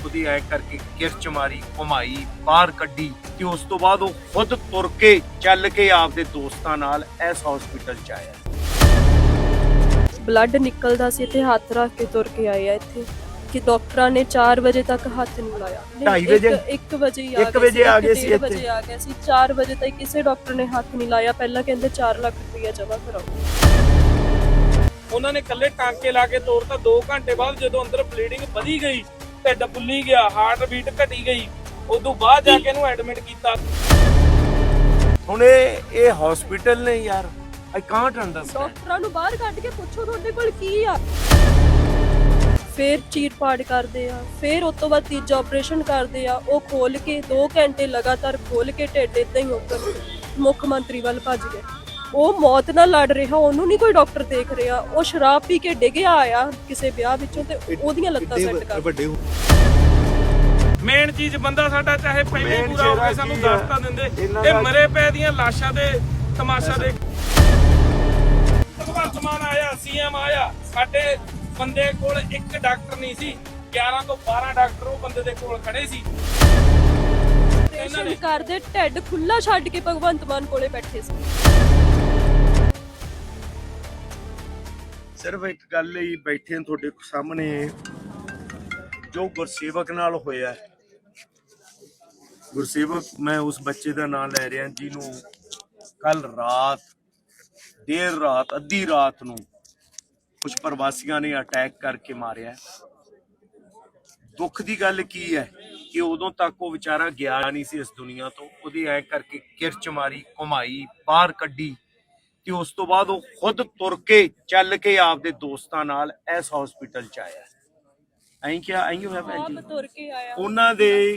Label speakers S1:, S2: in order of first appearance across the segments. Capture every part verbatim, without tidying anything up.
S1: ਉਹਦੀ ਐ ਕਰਕੇ ਕਿਰਚ ਮਾਰੀ, ਘੁਮਾਈ, ਬਾਹਰ ਕੱਢੀ ਤੇ ਉਸ ਤੋਂ ਬਾਅਦ ਉਹ ਖੁਦ ਤੁਰ ਕੇ ਚੱਲ ਕੇ ਆਪਦੇ ਦੋਸਤਾਂ ਨਾਲ ਇਸ ਹਸਪੀਟਲ ਚ ਆਇਆ।
S2: ਬਲੱਡ ਨਿਕਲਦਾ ਸੀ ਤੇ ਹੱਥ ਰੱਖ ਕੇ ਤੁਰ ਕੇ ਆਏ ਆ ਇੱਥੇ ਕਿ ਡਾਕਟਰਾਂ ਨੇ ਚਾਰ ਵਜੇ ਤੱਕ ਹੱਥ ਨਹੀਂ ਲਾਇਆ।
S1: ਢਾਈ ਵਜੇ
S2: ਇੱਕ ਵਜੇ ਹੀ
S1: ਇੱਕ ਵਜੇ ਆ ਗਏ ਸੀ ਇੱਥੇ।
S2: ਵਜੇ ਆ ਗਏ ਸੀ, ਚਾਰ ਵਜੇ ਤੱਕ ਕਿਸੇ ਡਾਕਟਰ ਨੇ ਹੱਥ ਨਹੀਂ ਲਾਇਆ। ਪਹਿਲਾਂ ਕਹਿੰਦੇ ਚਾਰ ਲੱਖ ਰੁਪਇਆ ਜਮ੍ਹਾਂ ਕਰਾਓ।
S3: ਉਹਨਾਂ ਨੇ ਕੱਲੇ ਟਾਂਕੇ ਲਾ ਕੇ ਤੋੜਤਾ। ਦੋ ਘੰਟੇ ਬਾਅਦ ਜਦੋਂ ਅੰਦਰ ਬਲੀਡਿੰਗ ਵਧੀ ਗਈ, ਢਿੱਡ ਫੁੱਲੀ ਗਿਆ, ਹਾਰਟ ਬੀਟ ਘਟੀ ਗਈ, ਉਦੋਂ ਬਾਅਦ ਜਾ ਕੇ ਇਹਨੂੰ ਐਡਮਿਟ ਕੀਤਾ।
S1: ਹੁਣ ਇਹ ਇਹ ਹਸਪੀਟਲ ਨੇ ਯਾਰ, ਆਈ ਕਾਂਟ ਅੰਡਰਸਟੈਂਡ।
S2: ਡਾਕਟਰਾਂ ਨੂੰ ਬਾਹਰ ਕੱਢ ਕੇ ਪੁੱਛੋ ਤੁਹਾਡੇ ਕੋਲ ਕੀ ਆ। ਫੇਰ ਚੀਰ ਪਾੜ ਕਰਦੇ ਆ, ਫੇਰ ਉਸ ਤੋਂ ਬਾਅਦ ਤੀਜਾ ਆਪਰੇਸ਼ਨ ਕਰਦੇ ਆ। ਉਹ ਖੋਲ ਕੇ ਦੋ ਘੰਟੇ ਲਗਾਤਾਰ ਖੋਲ ਕੇ ਢਿੱਡ ਏਦਾਂ ਹੀ ਉੱਪਰ ਮੁੱਖ ਮੰਤਰੀ ਵੱਲ ਭੱਜ ਗਏ। ਉਹ ਮੌਤ ਨਾਲ ਲੜ ਰਿਹਾ, ਉਹਨੂੰ ਨਹੀਂ ਕੋਈ ਡਾਕਟਰ ਦੇਖ ਰਿਹਾ। ਉਹ ਸ਼ਰਾਬ ਪੀ ਕੇ ਡਿੱਗਿਆ ਆਇਆ ਕਿਸੇ ਵਿਆਹ ਵਿੱਚੋਂ ਤੇ ਉਹਦੀਆਂ ਲੱਤਾਂ ਸੈੱਟ ਕਰ ਵੱਡੇ।
S3: ਮੇਨ ਚੀਜ਼ ਬੰਦਾ ਸਾਡਾ ਚਾਹੇ ਪਹਿਲੇ ਪੂਰਾ ਹੋ ਕੇ ਸਾਨੂੰ ਦੱਸਤਾ ਦਿੰਦੇ, ਇਹ ਮਰੇ ਪੈ ਦੀਆਂ ਲਾਸ਼ਾਂ ਦੇ ਤਮਾਸ਼ਾ ਦੇ। ਭਗਵੰਤ ਮਾਨ ਆਇਆ, ਸੀਐਮ ਆਇਆ, ਸਾਡੇ ਬੰਦੇ ਕੋਲ ਇੱਕ ਡਾਕਟਰ ਨਹੀਂ ਸੀ, ਗਿਆਰਾਂ ਤੋਂ ਬਾਰਾਂ ਡਾਕਟਰ ਉਹ ਬੰਦੇ ਦੇ ਕੋਲ ਖੜੇ ਸੀ।
S2: ਇਹਨਾਂ ਨੇ ਕਰਦੇ ਢਿੱਡ ਖੁੱਲਾ ਛੱਡ ਕੇ ਭਗਵੰਤ ਮਾਨ ਕੋਲੇ ਬੈਠੇ ਸੀ।
S1: ਸਿਰਫ ਇੱਕ ਗੱਲ ਹੀ ਬੈਠੇ ਹਾਂ ਤੁਹਾਡੇ ਸਾਹਮਣੇ, ਜੋ ਗੁਰਸੇਵਕ ਨਾਲ ਹੋਇਆ। ਗੁਰਸੇਵਕ, ਮੈਂ ਉਸ ਬੱਚੇ ਦਾ ਨਾਮ ਲੈ ਰਿਹਾ ਜਿਹਨੂੰ ਕੱਲ ਰਾਤ ਦੇਰ ਰਾਤ ਅੱਧੀ ਰਾਤ ਨੂੰ ਕੁਝ ਪ੍ਰਵਾਸੀਆਂ ਨੇ ਅਟੈਕ ਕਰਕੇ ਮਾਰਿਆ। ਦੁੱਖ ਦੀ ਗੱਲ ਕੀ ਹੈ ਕਿ ਉਦੋਂ ਤੱਕ ਉਹ ਵਿਚਾਰਾ ਗਿਆ ਨਹੀਂ ਸੀ ਇਸ ਦੁਨੀਆ ਤੋਂ। ਉਹਦੀ ਐ ਕਰਕੇ ਕਿਰਚ ਮਾਰੀ, ਘੁਮਾਈ, ਬਾਹਰ ਕੱਢੀ ਤੇ ਉਸ ਤੋਂ ਬਾਅਦ ਉਹ ਖੁਦ ਤੁਰ ਕੇ ਚੱਲ ਕੇ ਆਪਦੇ ਦੋਸਤਾਂ ਨਾਲ ਇਸ ਹਸਪੀਟਲ ਚ ਆਇਆ। ਐਂ ਕਿਹਾ ਐਂ ਹੋਇਆ ਭੈਣ ਜੀ।
S2: ਤੁਰ ਕੇ ਆਇਆ।
S1: ਉਹਨਾਂ ਦੇ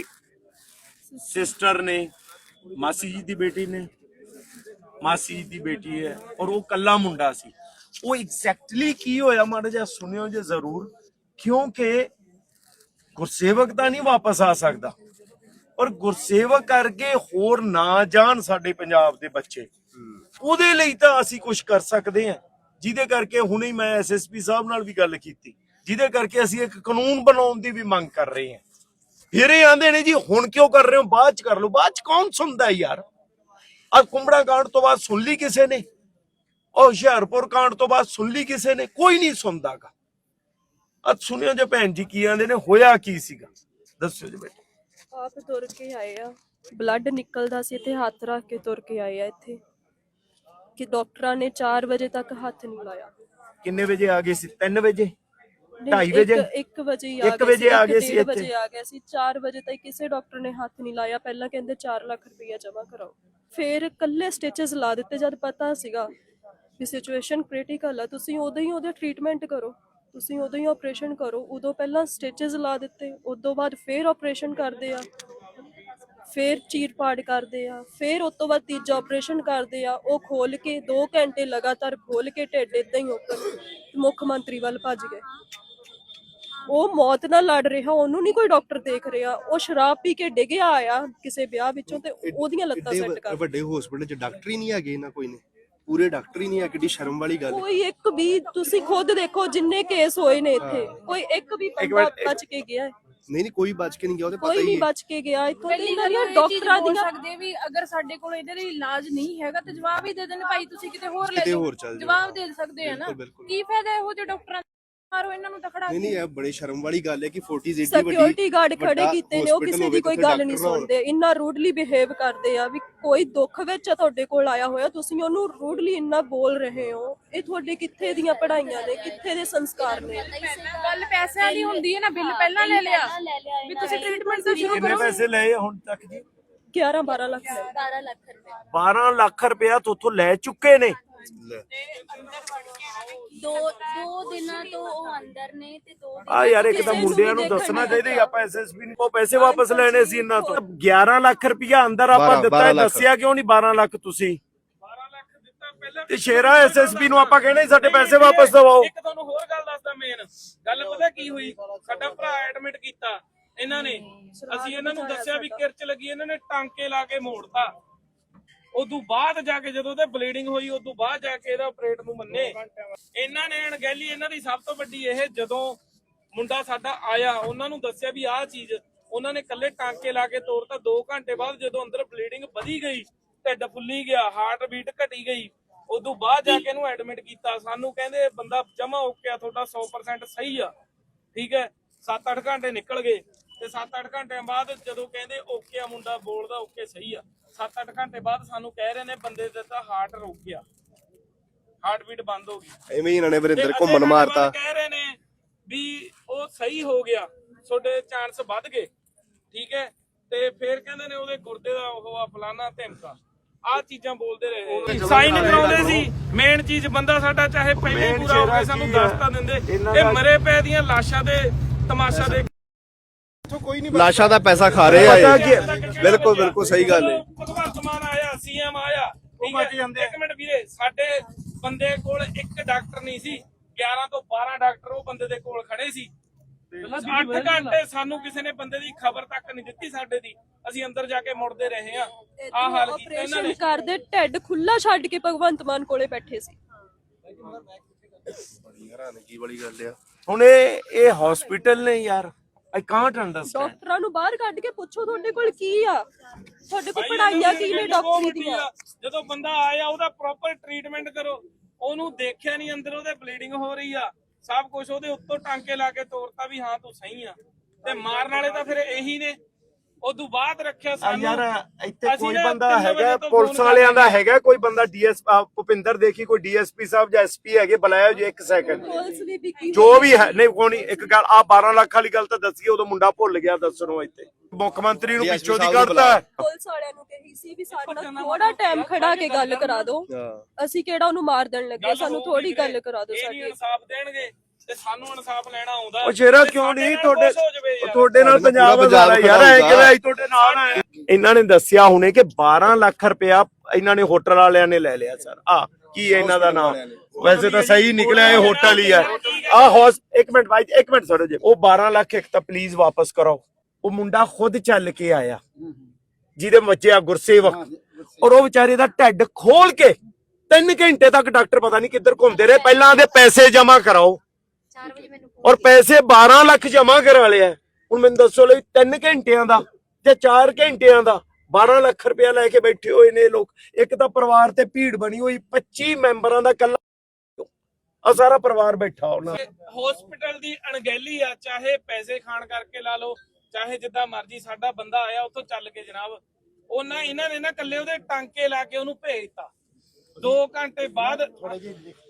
S1: ਸਿਸਟਰ ਨੇ, ਮਾਸੀ ਜੀ ਦੀ ਬੇਟੀ ਨੇ, ਮਾਸੀ ਜੀ ਦੀ ਬੇਟੀ ਹੈ, ਔਰ ਉਹ ਕੱਲਾ ਮੁੰਡਾ ਸੀ। ਉਹ ਐਗਜ਼ੈਕਟਲੀ ਕੀ ਹੋਇਆ ਮਾੜਾ ਜਿਹਾ ਸੁਣਿਓ ਜੇ ਜ਼ਰੂਰ, ਕਿਉਂਕਿ ਗੁਰਸੇਵਕ ਤਾਂ ਨਹੀਂ ਵਾਪਸ ਆ ਸਕਦਾ, ਔਰ ਗੁਰਸੇਵਕ ਕਰਕੇ ਹੋਰ ਨਾ ਜਾਣ ਸਾਡੇ ਪੰਜਾਬ ਦੇ ਬੱਚੇ, ਉਹਦੇ ਲਈ ਤਾਂ ਅਸੀਂ ਕੁਝ ਕਰ ਸਕਦੇ ਹਾਂ। ਜਿਹਦੇ ਕਰਕੇ ਹੁਣੇ ਮੈਂ ਐਸ ਐਸ ਪੀ ਸਾਹਿਬ ਨਾਲ ਵੀ ਗੱਲ ਕੀਤੀ, ਜਿਹਦੇ ਕਰਕੇ ਅਸੀਂ ਇੱਕ ਕਾਨੂੰਨ ਬਣਾਉਣ ਦੀ ਵੀ ਮੰਗ ਕਰ ਰਹੇ ਹਾਂ। ਫਿਰ ਇਹ ਆਂਦੇ ਨੇ ਜੀ ਹੁਣ ਕਿਉਂ ਕਰ ਰਹੇ ਹੋ, ਬਾਅਦ ਚ ਕਰ ਲਓ। ਬਾਅਦ ਚ ਕੌਣ ਸੁਣਦਾ ਯਾਰ? ਆ ਕੁੰਬੜਾ ਕਾਂਡ ਤੋਂ ਬਾਅਦ ਸੁਣ ਲਈ ਕਿਸੇ ਨੇ? ਉਹ ਹੁਸ਼ਿਆਰਪੁਰ ਕਾਂਡ ਤੋਂ ਬਾਅਦ ਸੁਣ ਲਈ ਕਿਸੇ ਨੇ? ਕੋਈ ਨਹੀਂ ਸੁਣਦਾਗਾ। ਅੱਜ ਸੁਣਿਓ ਜੇ ਭੈਣ ਜੀ ਕੀ ਆਂਦੇ ਨੇ, ਹੋਇਆ ਕੀ ਸੀਗਾ, ਦੱਸਿਓ ਜੀ ਬੇਟਾ।
S2: ਆਪ ਤੁਰ ਕੇ ਆਏ ਆ, ਬਲੱਡ ਨਿਕਲਦਾ ਸੀ ਤੇ ਹੱਥ ਰੱਖ ਕੇ ਤੁਰ ਕੇ ਆਏ ਆ ਇੱਥੇ ਕਿ ਡਾਕਟਰਾਂ ਨੇ ਚਾਰ ਵਜੇ ਤੱਕ ਹੱਥ ਨਹੀਂ ਲਾਇਆ।
S1: ਕਿੰਨੇ ਵਜੇ ਆ ਗਏ ਸੀ? ਤਿੰਨ ਵਜੇ ਢਾਈ ਵਜੇ
S2: ਇੱਕ ਵਜੇ ਹੀ
S1: ਇੱਕ ਵਜੇ ਆ ਗਏ ਸੀ।
S2: ਵਜੇ ਆ ਗਏ ਸੀ, ਚਾਰ ਵਜੇ ਤੱਕ ਕਿਸੇ ਡਾਕਟਰ ਨੇ ਹੱਥ ਨਹੀਂ ਲਾਇਆ। ਪਹਿਲਾਂ ਕਹਿੰਦੇ ਚਾਰ ਲੱਖ ਰੁਪਇਆ ਜਮ੍ਹਾਂ ਕਰਾਓ। ਫਿਰ ਕੱਲੇ ਸਟਿਚਸ ਲਾ ਦਿੱਤੇ ਜਦ ਪਤਾ ਸੀਗਾ ਵੀ ਸਿਚੁਏਸ਼ਨ ਕ੍ਰਿਟੀਕਲ ਆ। ਤੁਸੀਂ ਉਦੋਂ ਹੀ ਉਹਦਾ ਟ੍ਰੀਟਮੈਂਟ ਕਰੋ, ਤੁਸੀਂ ਉਦੋਂ ਹੀ ਆਪਰੇਸ਼ਨ ਕਰੋ। ਉਦੋਂ ਪਹਿਲਾਂ ਸਟਿਚਸ ਲਾ ਦਿੱਤੇ, ਉਦੋਂ ਬਾਅਦ ਫਿਰ ਆਪਰੇਸ਼ਨ ਕਰਦੇ ਆ, ਫਿਰ ਚੀਰ ਪਾੜ ਕਰਦੇ ਆ, ਫਿਰ ਉਸ ਤੋਂ ਬਾਅਦ ਤੀਜਾ ਆਪਰੇਸ਼ਨ ਕਰਦੇ ਆ। ਉਹ ਖੋਲ ਕੇ ਦੋ ਘੰਟੇ ਲਗਾਤਾਰ ਖੋਲ ਕੇ ਢਿੱਡ ਏਦਾਂ ਹੀ ਉੱਪਰ ਮੁੱਖ ਮੰਤਰੀ ਵੱਲ ਭੱਜ ਗਏ। ਉਹ ਮੌਤ ਨਾਲ ਲੜ ਰਿਹਾ, ਉਹਨੂੰ ਨਹੀਂ ਕੋਈ ਡਾਕਟਰ ਦੇਖ ਰਿਹਾ। ਉਹ ਸ਼ਰਾਬ ਪੀ ਕੇ ਡਿੱਗਿਆ ਆਇਆ ਕਿਸੇ ਵਿਆਹ ਵਿੱਚੋਂ ਤੇ ਉਹਦੀਆਂ ਲੱਤਾਂ ਸੈੱਟ ਕਰ।
S4: ਵੱਡੇ ਹਸਪੀਟਲ 'ਚ ਡਾਕਟਰ ਹੀ ਨਹੀਂ ਹੈਗੇ ਨਾ, ਕੋਈ ਨੇ ਪੂਰੇ ਡਾਕਟਰ ਹੀ ਨਹੀਂ ਹੈ। ਕਿੱਡੀ ਸ਼ਰਮ ਵਾਲੀ ਗੱਲ।
S2: ਕੋਈ ਇੱਕ ਵੀ, ਤੁਸੀਂ ਖੁਦ ਦੇਖੋ ਜਿੰਨੇ ਕੇਸ ਹੋਏ ਨੇ ਇੱਥੇ, ਕੋਈ ਇੱਕ ਵੀ ਬੰਦਾ ਬਚ ਕੇ ਗਿਆ ਹੈ?
S4: ਨਹੀਂ ਨਹੀਂ, ਕੋਈ ਬਚ ਕੇ ਨਹੀਂ ਗਿਆ, ਉਹਦੇ ਪਤਾ ਹੀ
S2: ਕੋਈ ਨਹੀਂ
S4: ਹੈ।
S2: ਬਚ ਕੇ ਗਿਆ ਇੱਥੋਂ ਦੇ।
S5: ਪਹਿਲੀ ਗੱਲ ਇਹ ਡਾਕਟਰਾਂ ਦੀ ਸਕਦੇ ਵੀ ਅਗਰ ਸਾਡੇ ਕੋਲ ਇਹਦੇ ਲਈ ਇਲਾਜ ਨਹੀਂ ਹੈਗਾ ਤੇ ਜਵਾਬ ਹੀ ਦੇ ਦੇਣ, ਭਾਈ ਤੁਸੀਂ ਕਿਤੇ ਹੋਰ ਲੈ ਜਾਓ, ਜਵਾਬ ਦੇ ਸਕਦੇ ਆ ਨਾ। ਕੀ ਫਾਇਦਾ ਇਹੋ ਜਿਹੇ ਡਾਕਟਰਾਂ ਮਾਰੋ ਇਹਨਾਂ ਨੂੰ ਤਾਂ ਖੜਾ।
S4: ਨਹੀਂ ਨਹੀਂ, ਇਹ ਬੜੇ ਸ਼ਰਮ ਵਾਲੀ ਗੱਲ ਹੈ ਕਿ ਫੋਰਟੀਜ਼ ਏਡੀ ਵੱਡੀ
S2: ਸਿਕਿਉਰਿਟੀ ਗਾਰਡ ਖੜੇ ਕੀਤੇ ਨੇ, ਉਹ ਕਿਸੇ ਦੀ ਕੋਈ ਗੱਲ ਨਹੀਂ ਸੁਣਦੇ। ਇੰਨਾ ਰੂਡਲੀ ਬਿਹੇਵ ਕਰਦੇ ਆ ਵੀ ਕੋਈ ਦੁੱਖ ਵਿੱਚ ਆ ਤੁਹਾਡੇ ਕੋਲ ਆਇਆ ਹੋਇਆ, ਤੁਸੀਂ ਉਹਨੂੰ ਰੂਡਲੀ ਇੰਨਾ ਬੋਲ ਰਹੇ ਹੋ। ਇਹ ਤੁਹਾਡੇ ਕਿੱਥੇ ਦੀਆਂ ਪੜ੍ਹਾਈਆਂ ਨੇ, ਕਿੱਥੇ ਦੇ ਸੰਸਕਾਰ ਨੇ?
S5: ਗੱਲ ਪੈਸਿਆਂ ਦੀ ਹੁੰਦੀ ਹੈ ਨਾ, ਬਿੱਲ ਪਹਿਲਾਂ ਲੈ ਲਿਆ ਵੀ ਤੁਸੀਂ ਟ੍ਰੀਟਮੈਂਟ ਤਾਂ ਸ਼ੁਰੂ
S1: ਕਿੰਨੇ
S5: ਕਰੋ।
S1: ਪੈਸੇ ਲਏ ਹੁਣ ਤੱਕ ਜੀ?
S2: ਗਿਆਰਾਂ ਬਾਰਾਂ ਲੱਖ ਲੈ।
S5: ਬਾਰਾਂ ਲੱਖ ਰੁਪਏ
S1: ਬਾਰਾਂ ਲੱਖ ਰੁਪਇਆ ਤੋਂ ਲੈ ਚੁੱਕੇ ਨੇ।
S6: ਦੋ ਦੋ ਦਿਨਾਂ ਤੋਂ ਉਹ ਅੰਦਰ ਨੇ ਤੇ ਦੋ
S1: ਆ ਯਾਰ ਇੱਕ ਤਾਂ ਮੁੰਡਿਆਂ ਨੂੰ ਦੱਸਣਾ ਚਾਹੀਦਾ, ਆਪਾਂ ਐਸ ਐਸ ਪੀ ਨੂੰ ਪੈਸੇ ਵਾਪਸ ਲੈਣੇ ਸੀ ਇਹਨਾਂ ਤੋਂ। ਗਿਆਰਾਂ ਲੱਖ ਰੁਪਇਆ ਅੰਦਰ ਆਪਾਂ ਦਿੱਤਾ, ਦੱਸਿਆ ਕਿਉਂ ਨਹੀਂ ਬਾਰਾਂ ਲੱਖ ਤੁਸੀਂ?
S3: ਬਾਰਾਂ ਲੱਖ ਦਿੱਤਾ ਪਹਿਲਾਂ
S1: ਤੇ ਸ਼ੇਰਾ ਐਸ ਐਸ ਪੀ ਨੂੰ ਆਪਾਂ ਕਹਿੰਦੇ ਸਾਡੇ ਪੈਸੇ ਵਾਪਸ ਦਵਾਓ।
S3: ਇੱਕ ਤੁਹਾਨੂੰ ਹੋਰ ਗੱਲ ਦੱਸਦਾ, ਮੇਨ ਗੱਲ ਪਤਾ ਕੀ ਹੋਈ? ਸਾਡਾ ਭਰਾ ਐਡਮਿਟ ਕੀਤਾ ਇਹਨਾਂ ਨੇ, ਅਸੀਂ ਇਹਨਾਂ ਨੂੰ ਦੱਸਿਆ ਵੀ ਕਿਰਚ ਲੱਗੀ, ਇਹਨਾਂ ਨੇ ਟਾਂਕੇ ਲਾ ਕੇ ਮੋੜਤਾ। ਉਦੋਂ ਬਾਅਦ ਜਾ ਕੇ ਜਦੋਂ ਉਹਦੇ ਬਲੀਡਿੰਗ ਹੋਈ, ਉਦੋਂ ਬਾਅਦ ਜਾ ਕੇ ਇਹਦਾ ਆਪਰੇਟ ਨੂੰ ਮੰਨੇ। ਇਹਨਾਂ ਨੇ ਅਣਗਹਿਲੀ, ਇਹਨਾਂ ਦੀ ਸਭ ਤੋਂ ਵੱਡੀ ਇਹ, ਜਦੋਂ ਮੁੰਡਾ ਸਾਡਾ ਆਇਆ, ਉਹਨਾਂ ਨੂੰ ਦੱਸਿਆ ਵੀ ਆਹ ਚੀਜ਼, ਉਹਨਾਂ ਨੇ ਕੱਲੇ ਟਾਂਕੇ ਲਾ ਕੇ ਤੋੜਤਾ। ਦੋ ਘੰਟੇ ਬਾਅਦ ਜਦੋਂ ਅੰਦਰ ਬਲੀਡਿੰਗ ਵਧੀ ਗਈ, ਢਿੱਡ ਫੁੱਲੀ ਗਿਆ, ਹਾਰਟ ਬੀਟ ਘਟੀ ਗਈ, ਉਦੋਂ ਬਾਅਦ ਜਾ ਕੇ ਇਹਨੂੰ ਐਡਮਿਟ ਕੀਤਾ। ਸਾਨੂੰ ਕਹਿੰਦੇ ਬੰਦਾ ਜਮਾ ਓਕੇ ਆ, ਤੁਹਾਡਾ ਸੌ ਪਰਸੈਂਟ ਸਹੀ ਆ, ਠੀਕ ਹੈ। ਸੱਤ ਅੱਠ ਘੰਟੇ ਨਿਕਲ ਗਏ ਤੇ ਸੱਤ ਅੱਠ ਘੰਟਿਆਂ ਬਾਅਦ ਜਦੋਂ ਕਹਿੰਦੇ ਓਕੇ ਆ, ਮੁੰਡਾ ਬੋਲਦਾ ਓਕੇ ਸਹੀ ਆ, ਸੱਤ ਅੱਠ ਘੰਟੇ ਬਾਅਦ ਸਾਨੂੰ ਕਹਿ ਰਹੇ ਨੇ ਬੰਦੇ ਦਾ ਤਾਂ ਹਾਰਟ ਰੁਕ ਗਿਆ, ਹਾਰਟ ਬੀਟ ਬੰਦ ਹੋ ਗਈ।
S4: ਐਵੇਂ ਹੀ ਇਹਨਾਂ ਨੇ ਵਰਿੰਦਰ
S3: ਤੇ
S4: ਘੁੰਮਣ
S3: ਅੱਧੇ ਘੰਟੇ
S4: ਮਾਰਤਾ।
S3: ਬਾਅਦ ਕਹਿ ਰਹੇ ਨੇ ਵੀ ਉਹ ਸਹੀ ਹੋ ਗਿਆ, ਤੁਹਾਡੇ ਚਾਂਸ ਵੱਧ ਗਏ, ਠੀਕ ਹੈ। ਤੇ ਫਿਰ ਕਹਿੰਦੇ ਨੇ ਉਹਦੇ ਗੁਰਦੇ ਦਾ ਉਹ ਆ ਫਲਾਨਾ ਧਮਕਾ, ਆਹ ਚੀਜ਼ਾਂ ਬੋਲਦੇ ਰਹੇ। ਸਾਈਨ ਕਰਾਉਂਦੇ ਸੀ, ਮੇਨ ਚੀਜ਼ ਬੰਦਾ ਸਾਡਾ ਚਾਹੇ ਪਹਿਲੇ ਹੀ ਪੂਰਾ ਹੋ ਕੇ ਸਾਨੂੰ ਦੱਸ ਤਾਂ ਦਿੰਦੇ। ਇਹ ਮਰੇ ਪੈ ਦੀਆਂ ਲਾਸ਼ਾਂ ਦੇ ਤਮਾਸ਼ਾ ਦੇ
S4: ਲਾਸ਼ਾਂ ਦਾ ਪੈਸਾ ਖਾ ਰਹੇ ਆ ਇਹ। ਬਿਲਕੁਲ ਬਿਲਕੁਲ ਸਹੀ ਗੱਲ ਹੈ।
S3: ਭਗਵੰਤ ਮਾਨ ਆਇਆ, ਸੀਐਮ ਆਇਆ, ਠੀਕ ਹੈ। ਇੱਕ ਮਿੰਟ ਵੀਰੇ, ਸਾਡੇ ਬੰਦੇ ਕੋਲ ਇੱਕ ਡਾਕਟਰ ਨਹੀਂ ਸੀ, ਗਿਆਰਾਂ ਤੋਂ ਬਾਰਾਂ ਡਾਕਟਰ ਉਹ ਬੰਦੇ ਦੇ ਕੋਲ ਖੜੇ ਸੀ। ਅੱਠ ਘੰਟੇ ਸਾਨੂੰ ਕਿਸੇ ਨੇ ਬੰਦੇ ਦੀ ਖਬਰ ਤੱਕ ਨਹੀਂ ਦਿੱਤੀ ਸਾਡੇ ਦੀ, ਅਸੀਂ ਅੰਦਰ ਜਾ ਕੇ ਮੁੜਦੇ ਰਹੇ ਆ। ਆਹ ਹਾਲ ਕੀਤਾ ਇਹਨਾਂ ਨੇ।
S2: ਆਪਰੇਸ਼ਨ ਕਰਦੇ ਢਿੱਡ ਖੁੱਲਾ ਛੱਡ ਕੇ ਭਗਵੰਤ ਮਾਨ ਕੋਲੇ ਬੈਠੇ ਸੀ।
S4: ਬੜੀ ਹੈਰਾਨਗੀ ਵਾਲੀ ਗੱਲ ਆ।
S1: ਹੁਣ ਇਹ ਇਹ ਹਸਪੀਟਲ ਨੇ ਯਾਰ, ਆਈ ਕਾਂਟ ਅੰਡਰਸਟੈਂਡ।
S2: ਡਾਕਟਰਾਂ ਨੂੰ ਬਾਹਰ ਕੱਢ ਕੇ ਪੁੱਛੋ ਤੁਹਾਡੇ ਕੋਲ ਕੀ ਆ, ਤੁਹਾਡੇ ਕੋਲ ਪੜਾਈਆਂ ਕੀ ਨੇ ਡਾਕਟਰੀ ਦੀਆਂ।
S3: ਜਦੋਂ ਬੰਦਾ ਆਇਆ ਉਹਦਾ ਪ੍ਰੋਪਰ ਟ੍ਰੀਟਮੈਂਟ ਕਰੋ। ਉਹਨੂੰ ਦੇਖਿਆ ਨਹੀਂ ਅੰਦਰ ਉਹਦੇ ਬਲੀਡਿੰਗ ਹੋ ਰਹੀ ਆ, ਸਭ ਕੁਝ ਉਹਦੇ ਉੱਤੋਂ ਟਾਂਕੇ ਲਾ ਕੇ ਤੋੜਤਾ ਵੀ ਹਾਂ ਤੂੰ ਸਹੀ ਆ। ਤੇ ਮਾਰਨ ਵਾਲੇ ਤਾਂ ਫਿਰ ਇਹੀ ਨੇ। ਉਦੋਂ ਬਾਅਦ ਰੱਖਿਆ ਸਾਨੂੰ
S1: ਯਾਰ ਇੱਥੇ
S3: ਅਸੀਂ
S1: ਕੋਈ
S3: ਨਾ
S1: ਬੰਦਾ
S3: ਤਿੰਨ ਵਜੇ
S1: ਹੈਗਾ
S3: ਤੋਂ
S1: ਪੁਲਿਸ
S3: ਫੋਨ
S1: ਵਾਲਿਆਂ ਦਾ
S3: ਕਰਦੇ
S1: ਹੈਗਾ, ਕੋਈ ਬੰਦਾ ਡੀਐਸ ਭੁਪਿੰਦਰ ਦੇਖੀ, ਕੋਈ ਡੀਐਸਪੀ ਸਾਹਿਬ ਜਾਂ ਐਸਪੀ ਹੈਗੇ, ਬੁਲਾਇਆ ਜੀ ਇੱਕ ਸੈਕਿੰਡ।
S2: ਪੁਲਿਸ ਵੀ ਵਿਕੀ
S1: ਜੋ ਵੀ ਹੈ ਨਹੀਂ ਕੋਣੀ ਇੱਕ ਗੱਲ ਆ ਬਾਰਾਂ ਲੱਖ ਵਾਲੀ ਗੱਲ ਤਾਂ ਦੱਸੀਏ, ਉਦੋਂ ਮੁੰਡਾ ਭੁੱਲ ਗਿਆ ਦੱਸਣੋਂ। ਇੱਥੇ ਮੁੱਖ ਮੰਤਰੀ ਨੂੰ ਪਿੱਛੋਂ ਦੀ ਕੱਢਤਾ।
S2: ਪੁਲਿਸ ਵਾਲਿਆਂ ਨੂੰ ਕਹੀ ਸੀ ਵੀ ਸਾਡੇ ਨਾਲ ਥੋੜਾ ਟਾਈਮ ਖੜਾ ਕੇ ਗੱਲ ਕਰਾ ਦਿਓ, ਅਸੀਂ ਕਿਹੜਾ ਉਹਨੂੰ ਮਾਰ ਦੇਣ ਲੱਗੇ, ਸਾਨੂੰ ਥੋੜੀ ਗੱਲ ਕਰਾ ਦਿਓ
S3: ਇਹ ਨਹੀਂ
S2: ਸਾਡੀ।
S3: ਇਨਸਾਫ ਦੇਣਗੇ ਤੇ ਸਾਨੂੰ ਇਨਸਾਫ ਲੈਣਾ ਆਉਂਦਾ।
S1: ਉਹ ਸ਼ੇਰਾ
S3: ਤੇ
S1: ਕਿਉਂ
S3: ਸਾਡੇ
S1: ਨਹੀਂ
S3: ਨਾਲ
S1: ਤੁਹਾਡੇ
S3: ਕੁਛ ਹੋ ਜਾਵੇ ਯਾਰ।
S1: ਤੁਹਾਡੇ ਨਾਲ ਪੰਜਾਬ ਵਾਲਾ ਯਾਰ ਐ ਕਿਵੇਂ ਅਸੀਂ ਤੁਹਾਡੇ ਨਾਲ ਆਏ। ਇਹਨਾਂ ਨੇ ਦੱਸਿਆ ਹੁਣੇ ਕਿ ਬਾਰਾਂ ਲੱਖ ਰੁਪਇਆ ਇਹਨਾਂ ਨੇ ਹੋਟਲ ਵਾਲਿਆਂ ਨੇ ਲੈ ਲਿਆ ਸਰ। ਆ ਕੀ ਹੈ ਇਹਨਾਂ ਦਾ ਨਾਮ? ਵੈਸੇ ਤਾਂ ਸਹੀ ਨਿਕਲਿਆ, ਇਹ ਹੋਟਲ ਹੀ ਹੈ। ਆ ਹੌਸ ਇੱਕ ਮਿੰਟ ਭਾਈ, ਇੱਕ ਮਿੰਟ ਛੱਡੋ ਜੀ। ਉਹ ਬਾਰਾਂ ਲੱਖ ਇੱਕ ਤਾਂ ਪਲੀਜ਼ ਵਾਪਸ ਕਰਾਓ। ਉਹ ਮੁੰਡਾ ਖੁਦ ਚੱਲ ਕੇ ਆਇਆ ਜਿਹਦੇ ਬੱਚੇ ਆ ਗੁਰਸੇਵਕ, ਔਰ ਉਹ ਵਿਚਾਰੇ ਦਾ ਢਿੱਡ ਖੋਲ ਕੇ ਤਿੰਨ ਘੰਟੇ ਤੱਕ ਡਾਕਟਰ ਪਤਾ ਨਹੀਂ ਕਿੱਧਰ ਘੁੰਮਦੇ ਰਹੇ। ਪਹਿਲਾਂ ਦੇ ਪੈਸੇ ਜਮਾ ਕਰਾਓ, ਔਰ ਪੈਸੇ ਬਾਰਾਂ ਲੱਖ ਜਮਾ ਕਰਾ ਲਿਆ। ਹੁਣ ਮੈਨੂੰ ਦੱਸੋ ਲਈ ਤਿੰਨ ਘੰਟਿਆਂ ਦਾ ਤੇ ਚਾਰ ਘੰਟਿਆਂ ਦਾ ਬਾਰਾਂ ਲੱਖ ਰੁਪਇਆ ਲੈ ਕੇ ਬੈਠੇ ਹੋਏ ਨੇ ਲੋਕ। ਇੱਕ ਤਾਂ ਪਰਿਵਾਰ ਤੇ ਭੀੜ ਬਣੀ ਹੋਈ, ਪੱਚੀ ਮੈਂਬਰਾਂ ਦਾ ਕੱਲਾ ਆ ਸਾਰਾ ਪਰਿਵਾਰ ਬੈਠਾ ਉਹਨਾਂ।
S3: ਹਸਪੀਟਲ ਦੀ ਅਣਗਹਿਲੀ ਆ, ਚਾਹੇ ਪੈਸੇ ਖਾਣ ਕਰਕੇ ਲਾ ਲਓ, ਚਾਹੇ ਜਿੱਦਾਂ ਮਰਜ਼ੀ। ਸਾਡਾ ਬੰਦਾ ਆਇਆ ਉੱਥੋਂ ਚੱਲ ਕੇ ਜਨਾਬ, ਉਹਨਾਂ ਇਹਨਾਂ ਨੇ ਨਾ ਕੱਲੇ ਉਹਦੇ ਟਾਂਕੇ ਲਾ ਕੇ ਉਹਨੂੰ ਭੇਜਤਾ। ਦੋ ਘੰਟੇ ਬਾਅਦ ਹਾਂਜੀ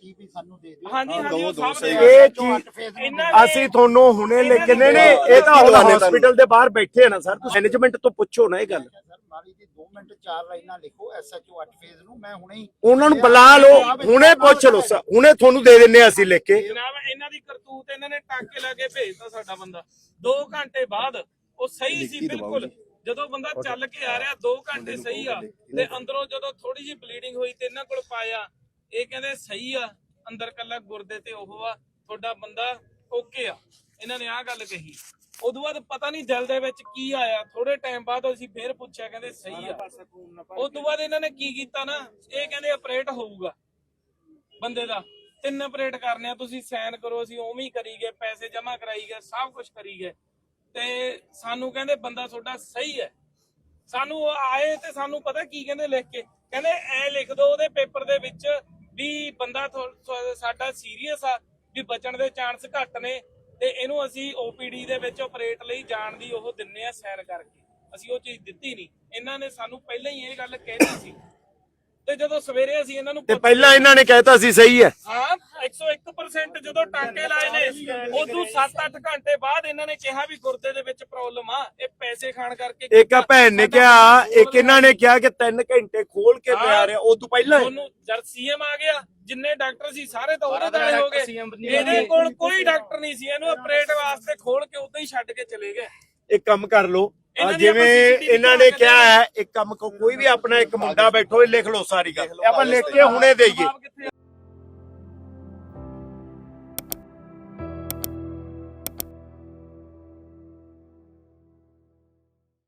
S3: ਹਾਂਜੀ ਉਹ ਸਭ
S1: ਇਹ ਚੀਜ਼ ਅਸੀਂ ਤੁਹਾਨੂੰ ਹੁਣੇ ਲੈ ਕੇ ਨਹੀਂ ਨਹੀਂ ਇਹ ਤਾਂ ਹਸਪੀਟਲ ਦੇ ਬਾਹਰ ਬੈਠੇ ਆ ਨਾ ਸਰ। ਤੁਸੀਂ ਮੈਨੇਜਮੈਂਟ ਤੋਂ ਪੁੱਛੋ ਨਾ ਇਹ ਗੱਲ।
S7: ਦੋ ਮਿੰਟ ਚਾਰ ਲਾਈਨਾਂ ਲਿਖੋ ਐਸਐਚਓ ਅੱਠ ਫੇਜ਼ ਨੂੰ, ਮੈਂ ਹੁਣੇ ਹੀ
S1: ਉਹਨਾਂ ਨੂੰ ਬੁਲਾ ਲਓ, ਹੁਣੇ ਪੁੱਛ ਲਓ ਸਰ, ਹੁਣੇ ਤੁਹਾਨੂੰ ਦੇ ਦਿੰਨੇ ਆ ਅਸੀਂ ਲਿਖ ਕੇ।
S3: ਜਨਾਬ ਇਹਨਾਂ ਦੀ ਕਰਤੂਤ, ਇਹਨਾਂ ਨੇ ਟਾਂਕੇ ਲਾ ਕੇ ਭੇਜਤਾ ਸਾਡਾ ਬੰਦਾ। ਦੋ ਘੰਟੇ ਬਾਅਦ ਉਹ ਸਹੀ ਸੀ ਬਿਲਕੁਲ। ਜਦੋਂ ਬੰਦਾ ਚੱਲ ਕੇ ਆ ਰਿਹਾ ਦੋ ਘੰਟੇ ਸਹੀ ਆ, ਤੇ ਅੰਦਰੋਂ ਜਦੋਂ ਥੋੜੀ ਜਿਹੀ ਬਲੀਡਿੰਗ ਹੋਈ ਤੇ ਇਹਨਾਂ ਕੋਲ ਪਾਇਆ, ਇਹ ਕਹਿੰਦੇ ਸਹੀ ਆ, ਅੰਦਰ ਕੱਲਾ ਗੁਰਦੇ ਤੇ ਉਹ ਆ, ਤੁਹਾਡਾ ਬੰਦਾ ਓਕੇ ਆ। ਇਹਨਾਂ ਨੇ ਆਹ ਗੱਲ ਕਹੀ। ਉਦੋਂ ਬਾਅਦ ਪਤਾ ਨਹੀਂ ਦਿਲ ਦੇ ਵਿੱਚ ਕੀ ਆਇਆ, ਥੋੜੇ ਟਾਈਮ ਬਾਅਦ ਅਸੀਂ ਫੇਰ ਪੁੱਛਿਆ, ਕਹਿੰਦੇ ਸਹੀ ਆ। ਉਦੋਂ ਬਾਅਦ ਇਹਨਾਂ ਨੇ ਕੀ ਕੀਤਾ ਨਾ, ਇਹ ਕਹਿੰਦੇ ਆਪਰੇਟ ਹੋਊਗਾ ਬੰਦੇ ਦਾ। ਤਿੰਨ ਆਪਰੇਟ ਕਰਨੇ ਆ, ਤੁਸੀਂ ਸਾਈਨ ਕਰੋ। ਅਸੀਂ ਉਵੇਂ ਹੀ ਕਰੀ ਗਏ, ਪੈਸੇ ਜਮ੍ਹਾਂ ਕਰਾਈ ਗਏ, ਸਭ ਕੁਝ ਕਰੀ ਗਏ। ਤੇ ਸਾਨੂੰ ਕਹਿੰਦੇ ਬੰਦਾ ਤੁਹਾਡਾ ਸਹੀ ਹੈ। ਸਾਨੂੰ ਆਏ ਤੇ ਸਾਨੂੰ ਪਤਾ ਕੀ ਕਹਿੰਦੇ ਲਿਖ ਕੇ, ਕਹਿੰਦੇ ਐ ਲਿਖ ਦੋ ਉਹਦੇ ਪੇਪਰ ਦੇ ਵਿੱਚ ਵੀ ਬੰਦਾ ਸਾਡਾ ਸੀਰੀਅਸ ਆ, ਵੀ ਬਚਣ ਦੇ ਚਾਂਸ ਘੱਟ ਨੇ, ਤੇ ਇਹਨੂੰ ਅਸੀਂ ਓਪੀਡੀ ਦੇ ਵਿੱਚ ਆਪਰੇਟ ਲਈ ਜਾਣ ਦੀ ਉਹ ਦਿੰਨੇ ਆ ਸਾਈਨ ਕਰਕੇ। ਅਸੀਂ ਉਹ ਚੀਜ਼ ਦਿੱਤੀ ਨਹੀਂ। ਇਹਨਾਂ ਨੇ ਸਾਨੂੰ ਪਹਿਲਾਂ ਹੀ ਇਹ ਗੱਲ ਕਹਿਤੀ ਸੀ, ਤੇ ਜਦੋਂ ਸਵੇਰੇ ਅਸੀਂ ਇਹਨਾਂ ਨੂੰ
S1: ਤੇ ਪਹਿਲਾਂ ਇਹਨਾਂ ਨੇ ਕਹਿਤਾ ਸੀ ਸਹੀ ਹੈ।
S3: ਹਾਂ ਇੱਕ ਸੌ ਇੱਕ ਪਰਸੈਂਟ ਜਦੋਂ ਟਾਂਕੇ ਲਾਏ ਨੇ, ਉਦੋਂ ਸੱਤ ਅੱਠ ਘੰਟੇ ਬਾਅਦ ਇਹਨਾਂ ਨੇ ਕਿਹਾ ਵੀ ਗੁਰਦੇ ਦੇ ਵਿੱਚ ਪ੍ਰੋਬਲਮ ਆ, ਇਹ ਪੈਸੇ ਖਾਣ ਕਰਕੇ।
S1: ਇੱਕ ਆ ਭੈਣ ਨੇ ਕਿਹਾ, ਇੱਕ ਇਹਨਾਂ ਨੇ ਕਿਹਾ ਕਿ ਤਿੰਨ ਘੰਟੇ ਖੋਲ ਕੇ ਪਿਆ ਰਿਹਾ। ਉਹ ਤੋਂ ਪਹਿਲਾਂ
S3: ਉਹਨੂੰ ਜਦ ਸੀਐਮ ਆ ਗਿਆ, ਜਿੰਨੇ ਡਾਕਟਰ ਸੀ ਸਾਰੇ ਤਾਂ ਉਹਦੇ ਦਾਲੇ ਹੋ ਗਏ। ਇਹਦੇ ਕੋਲ ਕੋਈ ਡਾਕਟਰ ਨਹੀਂ ਸੀ, ਇਹਨੂੰ ਆਪਰੇਟ ਵਾਸਤੇ ਖੋਲ ਕੇ ਉਦਾਂ ਹੀ ਛੱਡ ਕੇ ਚਲੇ ਗਏ।
S1: ਇੱਕ ਕੰਮ ਕਰ ਲਓ, ਜਿਵੇਂ ਇਹਨਾਂ ਨੇ ਕਿਹਾ ਹੈ, ਇੱਕ ਕੰਮ ਕੋਈ ਵੀ ਆਪਣਾ ਇੱਕ ਮੁੰਡਾ ਬੈਠੋ, ਇਹ ਲਿਖ ਲਓ ਸਾਰੀ ਗੱਲ, ਆਪਾਂ ਲਿਖ ਕੇ ਹੁਣੇ ਦੇਈਏ।